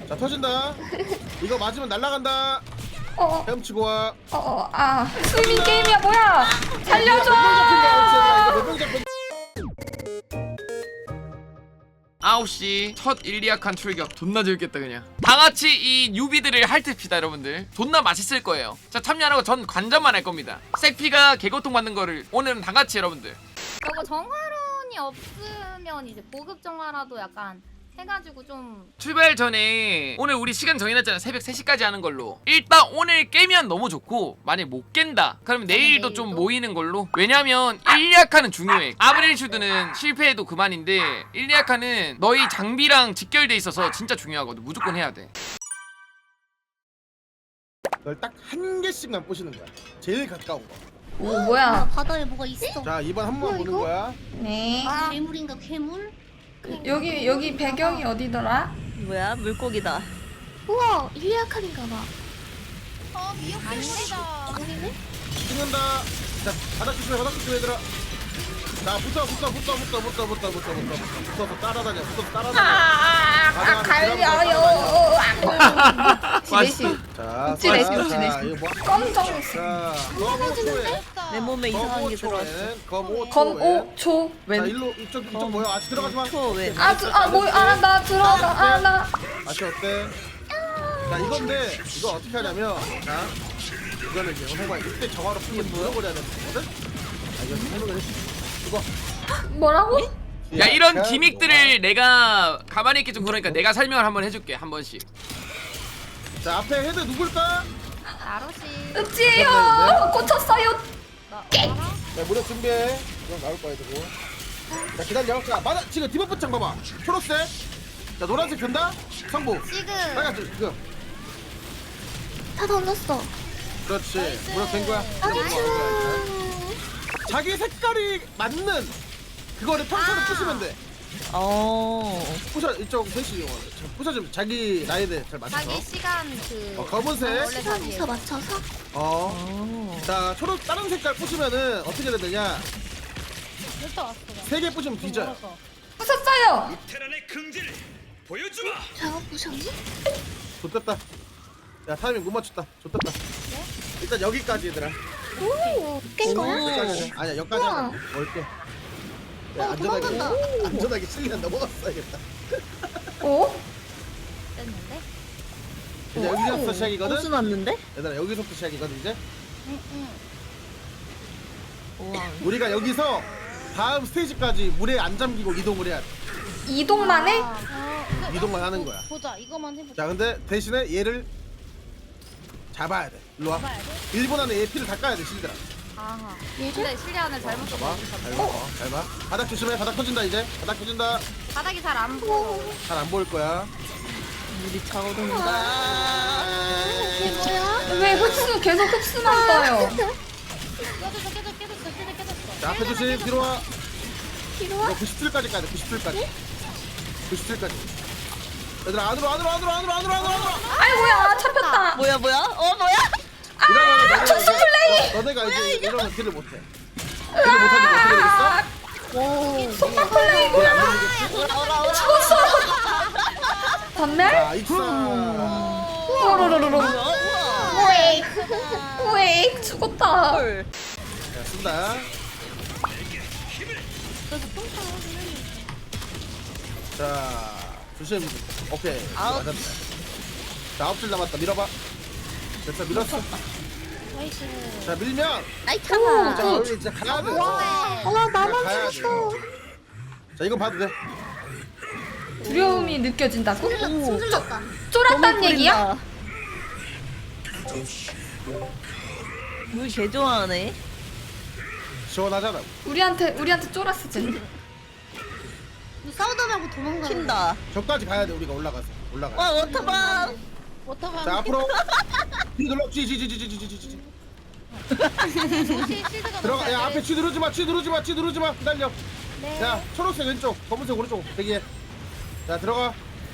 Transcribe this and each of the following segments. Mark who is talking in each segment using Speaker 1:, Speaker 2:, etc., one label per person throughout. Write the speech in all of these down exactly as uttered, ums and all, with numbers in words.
Speaker 1: 자 터진다. 이거 맞으면 날아간다.
Speaker 2: 어어
Speaker 1: 헤엄치고 와.
Speaker 2: 어어 아 스위밍 게임이야 뭐야 살려줘.
Speaker 1: 몇명 잡힌
Speaker 3: 아홉 시 첫 일리아칸 출격 존나 재밌겠다 그냥 다같이 이 뉴비들을 핥읍시다 여러분들. 존나 맛있을 거예요. 자 참여하라고 전 관전만 할 겁니다. 색피가 개고통 받는 거를 오늘은 다같이 여러분들.
Speaker 4: 저거 정화론이 없으면 이제 보급 정화라도 약간 해가지고 좀
Speaker 3: 출발 전에 오늘 우리 시간 정해놨잖아. 새벽 세 시까지 하는 걸로. 일단 오늘 깨면 너무 좋고 만약 못 깬다 그러면 내일도 좀
Speaker 4: 내일도?
Speaker 3: 모이는 걸로. 왜냐면 일리아칸은 중요해. 아브렐슈드는 실패해도 그만인데 일리아칸은 너희 장비랑 직결돼 있어서 진짜 중요하거든. 무조건 해야 돼.
Speaker 1: 널 딱 한 개씩만 보시는 거야. 제일 가까운 거.
Speaker 2: 오 뭐야.
Speaker 5: 바다에 뭐가 있어.
Speaker 1: 자 이번 한 번
Speaker 5: 뭐야,
Speaker 1: 보는
Speaker 5: 이거?
Speaker 1: 거야.
Speaker 2: 네
Speaker 5: 괴물인가 괴물?
Speaker 2: 여기 여기 배경이 어디더라?
Speaker 6: 뭐야 물고기다.
Speaker 5: 우와 일리아칸인가 봐.
Speaker 4: 어 미역국이다.
Speaker 5: 아니네?
Speaker 1: 찍는다. 자 바닥 조심해 바닥 조심해 얘들아. 자 붙어 붙어 붙어 붙어 붙어 붙어 붙어 붙어 붙어서 따라다녀 붙어서 따라다녀.
Speaker 2: 아 갈려요. 지레시
Speaker 1: 자
Speaker 2: 읍지 내시,
Speaker 1: 자,
Speaker 2: 읍지
Speaker 1: 자,
Speaker 2: 내시.
Speaker 1: 이거 뭐?
Speaker 2: 검정
Speaker 1: 자 검오 초에
Speaker 6: 내 몸에 이상한 게 들어왔어.
Speaker 1: 검오
Speaker 2: 검오 초
Speaker 1: 자
Speaker 2: 왼.
Speaker 1: 일로 이쪽 이쪽 뭐야 아직 들어가지 마.
Speaker 6: 초 왼.
Speaker 2: 아아뭐아나 들어가 아나.
Speaker 1: 맛이 어때? 자 이건데 이거 어떻게 하냐면 자 이거는 이제 영상과 이때 정화로 풀면 물어버려야 되는 거거든? 아 이거 설명을 해줄게. 이거
Speaker 2: 뭐라고?
Speaker 3: 야 이런
Speaker 1: 그냥
Speaker 3: 기믹들을 내가 가만히 있기 좀 그러니까 내가 설명을 한번 해줄게 한 번씩.
Speaker 1: 뭐가- 자 앞에 헤드 누굴까?
Speaker 4: 아로시.
Speaker 2: 읍지예요. 꽂혔어요.
Speaker 4: 나
Speaker 1: 자 무력 준비해. 이건 나올 거야 되고. 자 기다려. 자 맞아 지금 디버프 창 봐봐. 초록색. 자 노란색 된다. 성부.
Speaker 4: 지금
Speaker 1: 빨간색 지금.
Speaker 5: 다 던졌어.
Speaker 1: 그렇지. 무력 된 거야.
Speaker 5: 아니죠.
Speaker 1: 자기 색깔이 맞는 그거를 평소에 부수면 돼.
Speaker 6: 어.
Speaker 1: 부셔 이쪽 셋이 부셔주면 자기 나이대 잘 맞춰서.
Speaker 4: 자기 시간 그
Speaker 1: 어, 검은색.
Speaker 4: 원래 자기
Speaker 5: 시간에서 맞춰서?
Speaker 1: 어.
Speaker 6: 어.
Speaker 1: 자 초록 다른 색깔 부시면은 어떻게 해야 되냐?
Speaker 4: 몇개 왔어.
Speaker 1: 세 개 부시면 뒤져요.
Speaker 2: 부쉈어요.
Speaker 7: 테란의 긍지를 보여주마.
Speaker 5: 저거 보셨니?
Speaker 1: 좋됐다. 야 타이밍 못 맞췄다. 좋됐다. 일단 여기까지 얘들아.
Speaker 5: 오, 깬 거야?
Speaker 1: 여기까지 하자. 아니야 여기까지 하자.
Speaker 5: 우와.
Speaker 1: 멀게.
Speaker 5: 어,
Speaker 1: 안전하게
Speaker 5: 도망간다.
Speaker 1: 안전하게 실리안 넘어갔어야겠다.
Speaker 2: 오?
Speaker 4: 됐는데?
Speaker 1: 이제 여기서부터 시작이거든.
Speaker 6: 호수 났는데?
Speaker 1: 얘들아 여기서부터 시작이거든 이제.
Speaker 4: 응응.
Speaker 6: 우와.
Speaker 1: 우리가 여기서 다음 스테이지까지 물에 안 잠기고 이동을 해야 돼.
Speaker 2: 이동만 해?
Speaker 1: 이동만 하는 거야.
Speaker 4: 보자. 이거만 해보자.
Speaker 1: 자 근데 대신에 얘를 잡아야 돼. 일로 와.
Speaker 4: 봐야 돼.
Speaker 1: 일 분 안에 얘 피를 닦아야 돼 실들아.
Speaker 4: 아하. 근데 실리안을 잘못
Speaker 1: 봐봐.
Speaker 4: 썼어.
Speaker 1: 잘 봐. 어, 잘 봐. 바닥 조심해. 바닥 터진다 이제. 바닥 터진다.
Speaker 4: 바닥이 잘 안 보여.
Speaker 1: 잘 안 보일 거야.
Speaker 6: 물이 차오른다.
Speaker 5: 이게 뭐야?
Speaker 2: 왜 흡수 계속 흡수만 떠요?
Speaker 4: 깨졌어 깨졌어 깨졌어 깨졌어 깨졌어.
Speaker 1: 자 앞에 조심. 뒤로 와.
Speaker 5: 뒤로 와?
Speaker 1: 이거 구십 줄까지 가야 돼. 구십 줄까지. 구십 줄까지. 얘들아 안으로 안으로 안으로 안으로 안으로 안으로 안으로.
Speaker 2: 아이고야 잡혔다.
Speaker 6: 뭐야 뭐야? 어 뭐야?
Speaker 1: 이러면 너네
Speaker 2: 투수 플레이!
Speaker 1: 너, 너네가 이제 이러면 딜을 못해. 딜을 못하니까 어떻게 되겠어?
Speaker 5: 오.
Speaker 2: 속박 플레이
Speaker 1: 딜을
Speaker 2: 뭐야?
Speaker 1: 안 되겠지?
Speaker 6: 오라 오라 오라.
Speaker 2: 죽었어. 전멸?
Speaker 1: 자 익사.
Speaker 2: 오로로로로.
Speaker 6: 우와.
Speaker 2: 우엑. 우엑 죽었다.
Speaker 6: 헐.
Speaker 1: 자 쓴다. 자 조심. 오케이.
Speaker 6: 아웃.
Speaker 1: 맞았다. 자 아홉 줄 남았다. 밀어봐. 됐어 밀었어. 자 밀면
Speaker 5: 아이
Speaker 1: 자
Speaker 5: 차가.
Speaker 1: 여기 이제 가야 돼.
Speaker 5: 와
Speaker 1: 자,
Speaker 5: 나만
Speaker 1: 가야 돼.
Speaker 5: 죽었어.
Speaker 1: 자 이건 봐도 돼.
Speaker 2: 두려움이 느껴진다고?
Speaker 5: 숨 들렸다.
Speaker 2: 쫄았단 얘기야?
Speaker 6: 물 개 좋아하네.
Speaker 1: 시원하잖아.
Speaker 2: 우리한테 우리한테 쫄았어 쟤.
Speaker 5: 너 싸우다 말고 도망가.
Speaker 6: 튄다.
Speaker 1: 저까지 가야 돼 우리가 올라가서 올라가.
Speaker 6: 와 워터밤.
Speaker 4: 워터밤.
Speaker 1: 자 앞으로. 뒤 눌러. 쥐쥐쥐쥐쥐쥐쥐쥐.
Speaker 4: 실드가
Speaker 1: 들어가. 야 앞에 쥐 누르지 마. 쥐 누르지 마. 쥐 누르지 마. 기다려.
Speaker 4: 네.
Speaker 1: 야 초록색 왼쪽, 검은색 오른쪽 대기해. 자 들어가.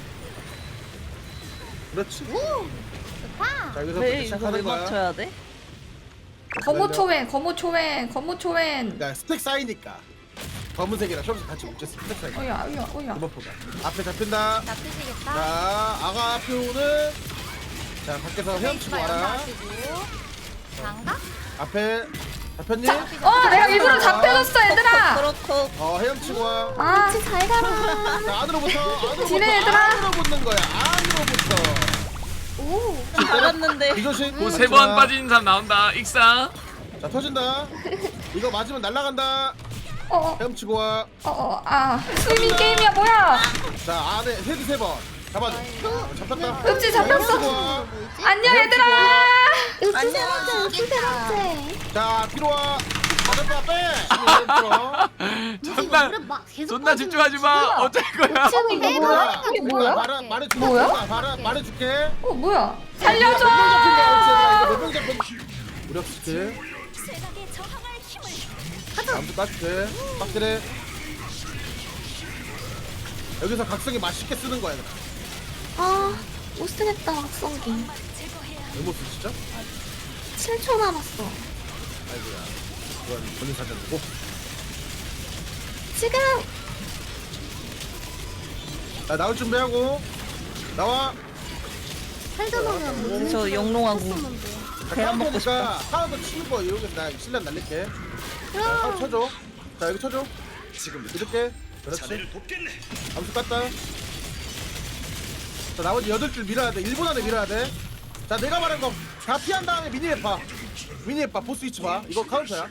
Speaker 1: 그렇지.
Speaker 4: 좋다.
Speaker 1: 자 여기서
Speaker 6: 왜 이거 왜
Speaker 1: 시작하는 거야.
Speaker 6: 맞춰야 돼?
Speaker 2: 거모초웬 거모초웬 거모초웬.
Speaker 1: 그러니까 스택 쌓이니까. 검은색이랑 초록색 같이 뭉쳤어. 색
Speaker 2: 어야 어야 어야.
Speaker 1: 이번 포가. 앞에 잡힌다.
Speaker 4: 잡히시겠다.
Speaker 1: 자, 아가 표는 자 밖에서 헤엄치고 와라.
Speaker 4: 장가?
Speaker 1: 앞에 잡혔니?
Speaker 2: 어 내가 일부러 잡혀줬어 얘들아.
Speaker 6: 그렇고
Speaker 1: 어 헤엄치고 와.
Speaker 2: 아
Speaker 5: 같이 잘 가라.
Speaker 1: 자 안으로부터 안으로부터
Speaker 2: 지네, 얘들아.
Speaker 1: 안으로 붙는 거야. 안으로부터.
Speaker 5: 오.
Speaker 6: 알았는데.
Speaker 1: 이조식.
Speaker 3: 뭐 세 번 빠진 사람 나온다. 익사.
Speaker 1: 자 터진다. 이거 맞으면 날아간다.
Speaker 2: 어어어아
Speaker 1: 헤엄치고 와.
Speaker 2: 스위밍 게임이야 뭐야?
Speaker 1: 자 안에 헤드 세 번. 잡아줘. 어, 잡혔다.
Speaker 2: 읍지 잡혔어.
Speaker 1: 헤엄치고 와.
Speaker 2: 안녕 얘들아.
Speaker 5: 으치 세 번째, 으치 세 번째.
Speaker 1: 자 뒤로 와. 잡았다 빼.
Speaker 3: 존나
Speaker 5: 무릎 막 계속
Speaker 3: 존나 집중하지 마. 어쩔 거야.
Speaker 2: 이거 뭐야? 이게 뭐야?
Speaker 1: 말아 말해줄게.
Speaker 2: 뭐야?
Speaker 1: 말아 말해줄게.
Speaker 2: 어 뭐야? 살려줘.
Speaker 1: 몇명 잡혔? 무력 스킬. 아무도 깍게 빡들해. 여기서 각성이 맛있게 쓰는 거야. 얘들아.
Speaker 5: 아, 못 쓰겠다, 각성기.
Speaker 1: 왜못 쓰 진짜?
Speaker 5: 칠 초 남았어.
Speaker 1: 아이고야. 이건 본인 사전이고.
Speaker 5: 지금!
Speaker 1: 자 나올 준비하고 나와.
Speaker 5: 살려놓으면 뭐
Speaker 6: 저 영롱하고
Speaker 1: 자,
Speaker 6: 계란 먹고
Speaker 1: 카운터니까 카운터 치는 거 여기 나 실력 날릴게. 자 카운터 쳐줘. 자 여기 쳐줘. 지금 이렇게. 그렇지.
Speaker 7: 자네를 돕겠네.
Speaker 1: 암수 깠다. 자 나머지 여덟 줄 밀어야 돼. 일 분 안에 밀어야 돼. 자 내가 말한 거 다 피한 다음에 미니맵 봐. 미니맵 봐. 보스 위치 봐. 이거 카운터야.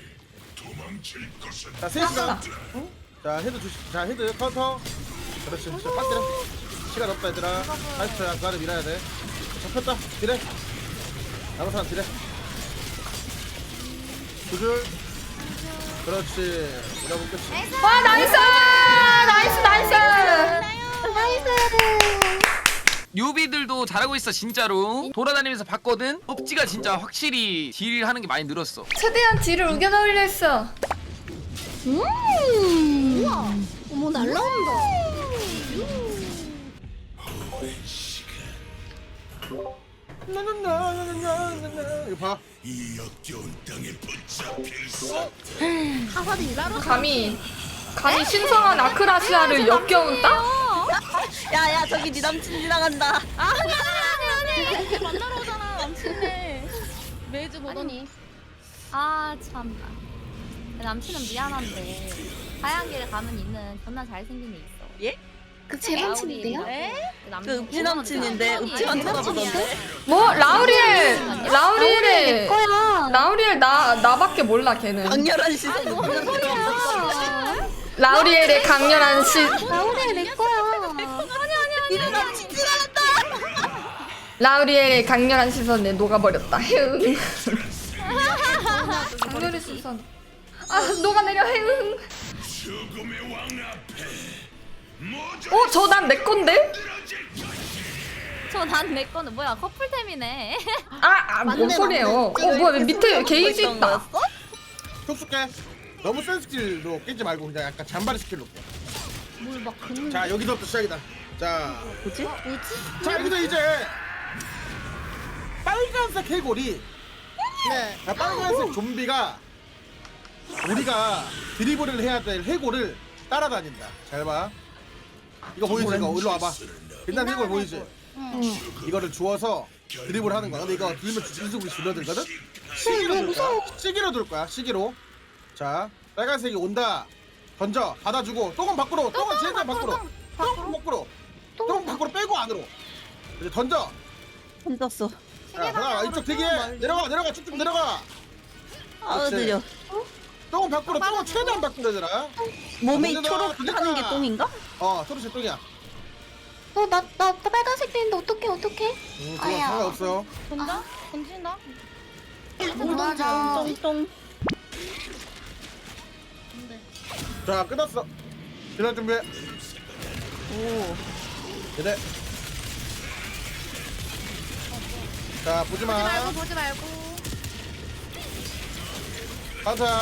Speaker 1: 자 세 시간. 자 헤드 주시. 자 헤드 카운터. 그렇지. 자 빠뜨려. 시간 없다 얘들아. 사십 초야. 그 안에 밀어야 돼. 잡혔다. 딜해. 남은 사람 딜해. 두 줄. 그렇지. 밀어본 끝이.
Speaker 2: 와 나이스 나이스 나이스.
Speaker 5: 나이스!
Speaker 3: 뉴비들도 잘하고 있어 진짜로. 돌아다니면서 봤거든. 읍지가 진짜 확실히 딜 하는 게 많이 늘었어.
Speaker 2: 최대한 뒤를 우겨 넣으려 했어.
Speaker 5: 음! 우와! 어머, 날라온다.
Speaker 1: 나나나나나나나. 이거 봐.
Speaker 5: 하사리 일하러
Speaker 2: 감히 감히 신성한 아크라시아를 역겨운 땅?
Speaker 6: 야야 저기 네 남친 지나간다.
Speaker 4: 아 미안해 미안해. 만나러 오잖아 남친네. 매주 보더니. 아 참나. 남친은 미안한데 하얀 길에 가면 있는 존나 잘생긴 애 있어.
Speaker 6: 예?
Speaker 5: 그 제 남친인데요?
Speaker 6: 그 읍지 남친인데 읍지만 쳐다보던데.
Speaker 2: 뭐 라우리엘
Speaker 5: 내
Speaker 2: 라우리엘의
Speaker 5: 거야.
Speaker 2: 라우리엘 나 나밖에 몰라 걔는.
Speaker 6: 강렬한 시선.
Speaker 2: 라우리엘의 강렬한 시
Speaker 5: 나오래, 내 거야.
Speaker 6: 네 남친 지나간다.
Speaker 2: 라우리엘의 강렬한 시선에 녹아버렸다. 헤응. 강렬의 시선. 아 녹아내려 헤응. 어 저 난 내 건데?
Speaker 4: 저난 내 거는 뭐야 커플템이네.
Speaker 2: 아뭔
Speaker 5: 맞네,
Speaker 2: 소리예요?
Speaker 5: 맞네.
Speaker 2: 어 뭐야 밑에 게이지
Speaker 6: 있던
Speaker 2: 있다.
Speaker 6: 거였어?
Speaker 1: 톡 쏠게. 너무 센 스킬로 깨지 말고 그냥 약간 잔바리 스킬로.
Speaker 5: 뭘막 긋는
Speaker 1: 자 여기서부터 시작이다. 자,
Speaker 6: 뭐지?
Speaker 1: 자 여기서 이제 빨간색 해골이
Speaker 5: 네.
Speaker 1: 자, 빨간색 좀비가 우리가 드리블을 해야 될 해골을 따라다닌다. 잘 봐. 이거 보이지? 이거 일로 와봐. 빛난 해골 보이지? 이거를 주워서 드리블 하는 거야. 근데 이거 들면 인수분이 줄어들거든? 시기로 돌 거야. 시기로 돌 거야. 시기로. 자, 빨간색이 온다. 던져. 받아주고. 똥은 밖으로. 똥은 최대한 밖으로. 똥은 밖으로. 똥은 밖으로 빼고 안으로. 이제 던져.
Speaker 6: 던졌어.
Speaker 1: 자, 하나 이쪽 대기해. 내려가. 내려가. 쭉쭉 내려가.
Speaker 6: 아
Speaker 1: 그렇지.
Speaker 6: 느려.
Speaker 1: 똥은 밖으로. 똥은 최대한 밖으로 얘들아.
Speaker 6: 몸이
Speaker 1: 던져라,
Speaker 6: 초록하는 게
Speaker 1: 던져라.
Speaker 6: 똥인가?
Speaker 1: 어, 초록색 똥이야.
Speaker 5: 어, 나, 나, 나 빨간색 되는데 어떡해, 어떡해?
Speaker 1: 음, 그건
Speaker 5: 아야.
Speaker 1: 상관없어요.
Speaker 4: 본다? 던진다?
Speaker 5: 맞아.
Speaker 6: 똥똥.
Speaker 1: 자, 끝났어. 지난 준비해.
Speaker 6: 오.
Speaker 1: 그래. 자, 보지 마.
Speaker 4: 보지 말고 보지 말고.
Speaker 1: 가자.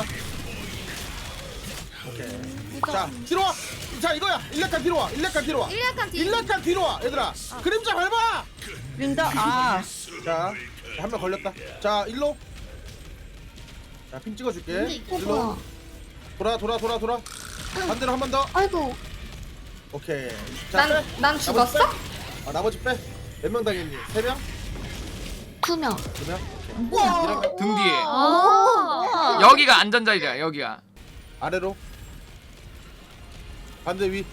Speaker 1: 오케이. 자, 뒤로 와. 자, 이거야. 일렉칸 뒤로 와. 일렉칸 뒤로 와.
Speaker 4: 일렉칸 뒤.
Speaker 1: 일렉칸 뒤로 와. 얘들아. 그림자 밟아.
Speaker 6: 윤다. 아.
Speaker 1: 자, 한 명 걸렸다. 자, 일로. 자, 핀 찍어줄게.
Speaker 5: 근데 이거 뭐야?
Speaker 1: 일로. 돌아, 돌아, 돌아, 돌아. 반대로 한 번 더.
Speaker 5: 아이고.
Speaker 1: 오케이. 자,
Speaker 2: 난,
Speaker 1: 빼.
Speaker 2: 난
Speaker 1: 나머지
Speaker 2: 죽었어?
Speaker 1: 빼. 아 나머지 빼. 몇 명 당했니? 세 명?
Speaker 5: 두 명.
Speaker 1: 두 명?
Speaker 5: 우와.
Speaker 3: 등 뒤에.
Speaker 4: 아.
Speaker 3: 여기가 안전자리야. 여기가.
Speaker 1: 아래로. 반대 위.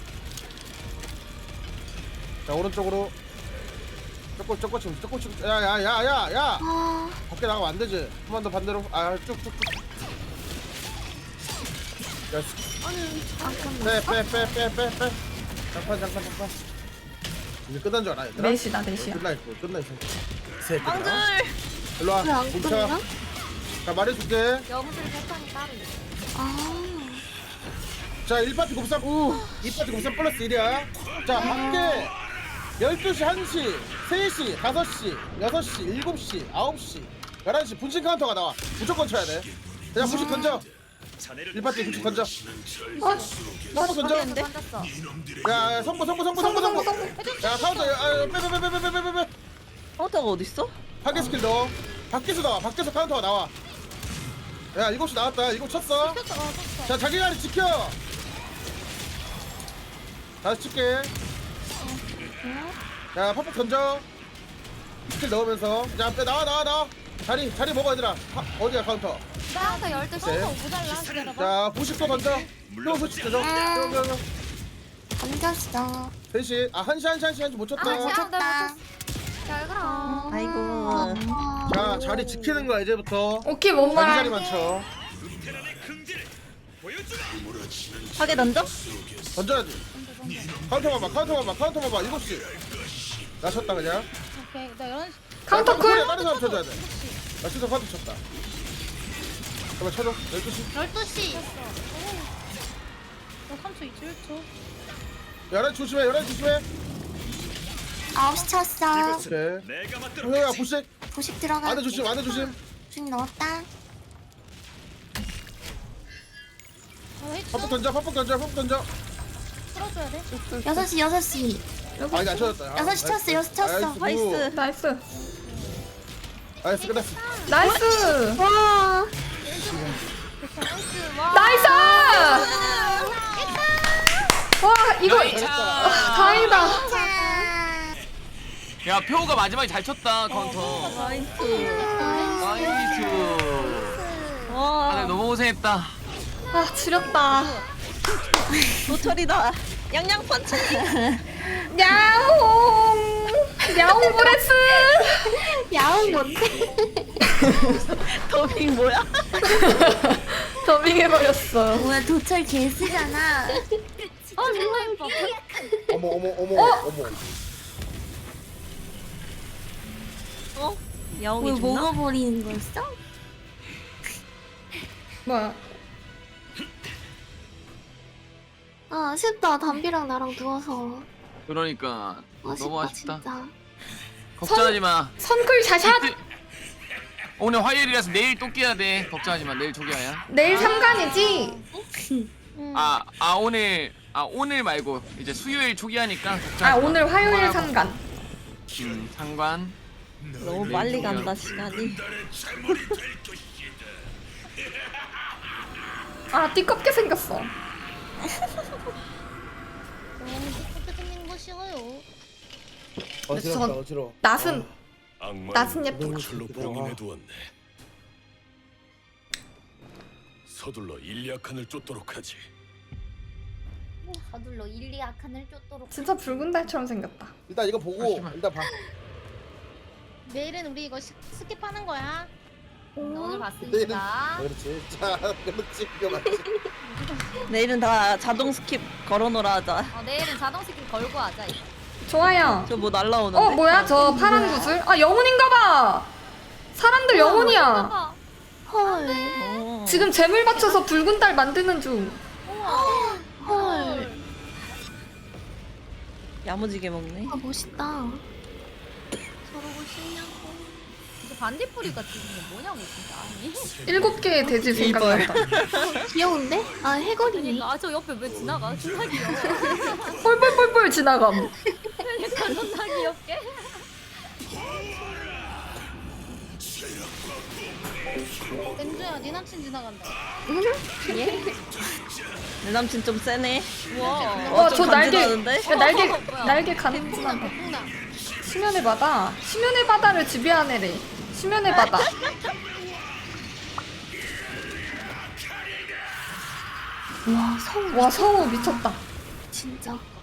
Speaker 1: 자 오른쪽으로. 쪼꼬 쪼꼬 치 쪼꼬 치. 야야야야야.
Speaker 5: 아.
Speaker 1: 밖에 나가면 안 되지. 한 번 더 반대로. 아 쭉쭉쭉. 야, 빼, 빼, 빼, 빼, 빼, 빼. 잠깐, 잠깐, 잠깐. 이제 끝난 줄 알아, 얘들아?
Speaker 2: 넷이다, 넷이야.
Speaker 1: 끝나 있고, 끝나 있어. 새끼들아.
Speaker 6: 빵들.
Speaker 1: 일로 와,
Speaker 5: 왜안
Speaker 1: 뭉쳐.
Speaker 5: 끝나?
Speaker 1: 자, 말해줄게.
Speaker 4: 영술 패턴이 따로 있어.
Speaker 5: 아.
Speaker 1: 자, 일 파티 곱삼, 이 파티 곱삼 플러스 일이야. 자, 밖에 열두 시, 한 시, 세 시, 다섯 시, 여섯 시, 일곱 시, 아홉 시, 열한 시 분신 카운터가 나와. 무조건 쳐야 돼. 그냥 분신 던져. 일 파티 분신 던져. 선보 던져.
Speaker 4: 던졌어.
Speaker 1: 야, 야, 선보, 선보, 선보, 선보, 선보. 야, 카운터, 야, 빼, 빼, 빼, 빼, 빼, 빼, 빼, 빼.
Speaker 6: 카운터가 어딨어?
Speaker 1: 파괴 스킬 넣어. 밖에서 나와. 밖에서 카운터가 나와. 야, 일곱 시 나왔다. 일곱 쳤어. 자, 자기 자리 지켜. 다시 칠게. 야, 팍팍 던져. 스킬 넣으면서. 자, 빼, 나와, 나와, 나와. 자리, 자리 먹어, 얘들아. 하, 어디야, 카운터.
Speaker 4: 카운터 열두 시.
Speaker 1: 네.
Speaker 4: 모자라. 기다려봐.
Speaker 1: 자, 구십 도 던져. 또 소식 던져.
Speaker 5: 던졌어.
Speaker 1: 세 시. 아, 한 시, 한 시, 한 시, 한 시 못 쳤다.
Speaker 4: 아,
Speaker 5: 쳤다.
Speaker 4: 잘 그럼.
Speaker 6: 아이고.
Speaker 1: 자, 자리 지키는 거야, 이제부터.
Speaker 2: 오케이, 뭔
Speaker 1: 자기
Speaker 2: 말.
Speaker 1: 자리만 쳐.
Speaker 7: 베테랑의 긍지를 보여주마.
Speaker 6: 파괴 던져?
Speaker 1: 던져야지. 카운터만 봐, 카운터만 봐, 카운터만 봐. 일곱 시. 나 쳤다, 그냥.
Speaker 4: 오케이. 나 열한 시.
Speaker 2: 카운터
Speaker 1: 야, 다른
Speaker 2: 쿨.
Speaker 1: 다른 사람 쳐줘야 돼. 나 진짜 카운터 쳤다. 잠깐 쳐줘. 열두 시.
Speaker 4: 열두 시. 나 삼 초, 일 초.
Speaker 1: 열한 시 조심해, 열한 시 조심해.
Speaker 5: 아홉 시 쳤어.
Speaker 1: 오케이.
Speaker 7: 내가 맞도록
Speaker 1: 형야,
Speaker 7: 하지.
Speaker 1: 부식.
Speaker 5: 부식 들어가.
Speaker 1: 안에 조심, 안에 조심.
Speaker 5: 부식 넣었다.
Speaker 1: 팝폭 던져, 팝폭 던져, 팝폭 던져.
Speaker 4: 풀어줘야 돼.
Speaker 5: 여섯 시 여섯 시.
Speaker 1: 아, 이게 안 쳐졌다.
Speaker 5: 여섯 시 쳤어, 여섯 시 쳤어.
Speaker 6: 나이스.
Speaker 2: 나이스.
Speaker 1: 나이스, 끝났어.
Speaker 2: 나이스.
Speaker 5: 와.
Speaker 2: 나이스! 와, 이거.
Speaker 3: 나이차.
Speaker 2: 다행이다.
Speaker 3: 야, 표가 마지막에 잘 쳤다. 카운터.
Speaker 6: 나이스.
Speaker 3: 나이스. 아,
Speaker 6: 와.
Speaker 3: 네, 너무 고생했다.
Speaker 2: 아, 지렸다.
Speaker 6: 노철이다. 양양 펀치.
Speaker 2: 야옹. 야옹 브레스.
Speaker 5: 야옹 뭔데?
Speaker 6: 더빙 뭐야?
Speaker 2: 더빙해버렸어.
Speaker 5: 뭐야 도철 개쓰잖아.
Speaker 4: 어, 정말 예뻐.
Speaker 1: 어머, 어머, 어머, 어머.
Speaker 6: 어?
Speaker 5: 왜
Speaker 6: 야옹이 죽나?
Speaker 5: 먹어버리는 거였어?
Speaker 2: 뭐야?
Speaker 5: 아 아쉽다. 담비랑 나랑 누워서.
Speaker 3: 그러니까
Speaker 5: 아쉽다,
Speaker 3: 너무 아쉽다.
Speaker 5: 진짜.
Speaker 3: 걱정하지 마.
Speaker 2: 선클 샷샷.
Speaker 3: 이틀- 오늘 화요일이라서 내일 또 깨야 돼. 걱정하지 마. 내일 조기화야.
Speaker 2: 내일 삼간이지?
Speaker 3: 아, 아 오늘 아 오늘 말고 이제 수요일 조기하니까 걱정하지
Speaker 2: 아,
Speaker 3: 마.
Speaker 2: 오늘 화요일
Speaker 3: 그만하고.
Speaker 2: 삼간.
Speaker 3: 음, 상관.
Speaker 6: 너무 빨리 간다 시간이.
Speaker 2: 아, 띠껍게 생겼어.
Speaker 4: 너무 예쁘게 생긴 거 싫어요.
Speaker 1: 어지럽다,
Speaker 2: 저-
Speaker 1: 어지러워.
Speaker 2: 낯은,
Speaker 7: 악마는
Speaker 2: 낯은 예쁘다.
Speaker 7: 철로 봉인해두었네. 서둘러 일리아칸을 쫓도록 하지.
Speaker 4: 서둘러 일리아 칸을 쫓도록.
Speaker 2: 진짜 붉은 달처럼 생겼다.
Speaker 1: 일단 이거 보고,
Speaker 3: 씨발.
Speaker 1: 일단 봐.
Speaker 4: 내일은 우리 이거 스- 스킵하는 거야.
Speaker 1: 내일은,
Speaker 4: 오늘 봤으니까.
Speaker 1: 그렇지. 자, 그렇지. 이거 맞지.
Speaker 6: 내일은 다 자동 스킵 걸어놓으라 하자.
Speaker 4: 어, 내일은 자동 스킵 걸고 하자. 이거.
Speaker 2: 좋아요.
Speaker 6: 저 뭐 날라오는데?
Speaker 2: 어, 뭐야? 저 파란 구슬? 아, 영혼인가봐! 사람들 영혼이야.
Speaker 5: 헐.
Speaker 6: 어.
Speaker 2: 지금 재물 받쳐서 붉은 달 만드는 중.
Speaker 5: 헐.
Speaker 6: 야무지게 먹네.
Speaker 5: 아 멋있다.
Speaker 4: 저러고 싶냐고. 이제 반딧불이가 지금 이게 뭐냐고 진짜. 아니.
Speaker 2: 일곱 개의 돼지 생각난다.
Speaker 5: 귀여운데? 아 해골이네.
Speaker 4: 그러니까 아저 옆에 왜 지나가? 존나 귀여워.
Speaker 2: 뻘뻘뻘뻘 지나감.
Speaker 4: 그러니까 존나 귀엽게. 엠주야 네 남친 지나간다.
Speaker 5: 예?
Speaker 6: 내 남친 좀 세네.
Speaker 4: 우와.
Speaker 2: 와,
Speaker 6: 좀
Speaker 2: 저 날개,
Speaker 6: 간지나는데?
Speaker 2: 야, 날개,
Speaker 4: 뭐야.
Speaker 2: 날개 가는구나. 수면의 바다. 수면의 바다를 지배하네래. 수면의 바다. 와, 성우. 와, 성우 미쳤다.
Speaker 5: 진짜.